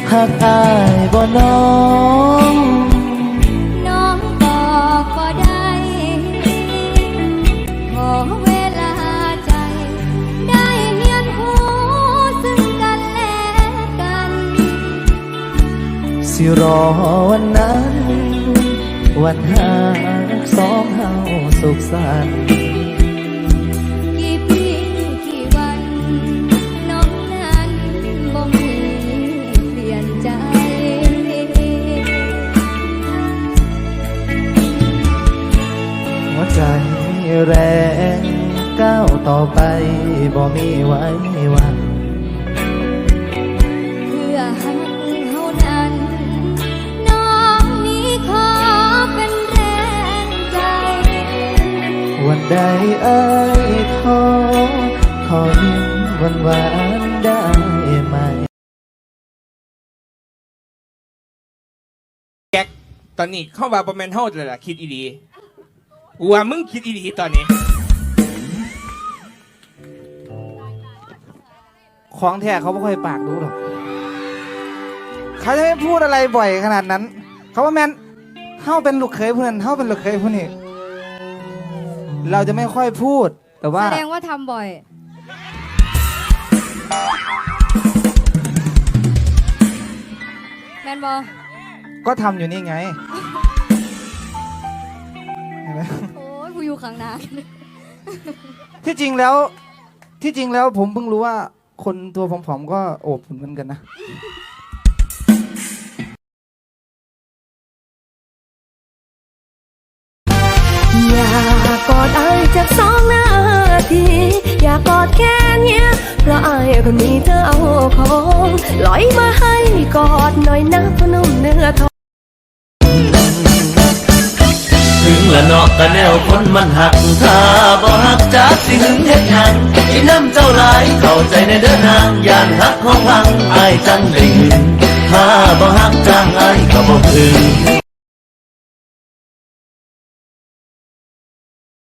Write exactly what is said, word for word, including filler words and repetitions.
หักอายบ่น้องน้องบอกก็ได้ขอเวลาใจได้เรียนรู้ซึ่งกันและกันสิรอวันนั้นวันหาสองเฮาสุขสันต์กี่ปีกี่วันน้องนั้นบ่มีเปลี่ยนใจหัวใจแรงก้าวต่อไปบ่มีไว้วันเพื่อหักเฮานั้นน้องนี้ขอเป็นแรงใจวันใดเอ้ยขอขอยิ้มหวานหวานได้ไหมแก๊กตอนนี้เข้ามาประมาณเท่าเลยล่ะคิดอีดีว่ามึงคิดอีดีตอนนี้ของแท้เขาไม่ค่อยปากดูหรอกเขาจะไม่พูดอะไรบ่อยขนาดนั้นเขาว่าแมนเฮ้าเป็นลูกเขยผู้นั้นเฮ้าเป็นลูกเขยผู้นี้เราจะไม่ค่อยพูดแต่ว่าแสดงว่าทำบ่อยแมนบอก็ทำอยู่นี่ไงโอ้ยกูอยู่ข้างหน้าที่จริงแล้วที่จริงแล้วผมเพิ่งรู้ว่าคนตัวผอมๆก็โอบเหมือนกันนะอยากกอดไอ้จากสองนาทีอยากกอดแค่เนี้ยเพราะไอ้คนนี้เธอเอาของลอยมาให้กอดหน่อยนะพนุ่มเนื้อทองถึงละเนาะกะแนวคนมันหักถ้าบ่หักจักสิหึงเฮ็ดหยังอีน้ำเจ้าหลายเข้าใจในเด้อนางย่านหักของพังอ้ายจังได้หึงถ้าบ่หักจังอ้ายก็บ่พึง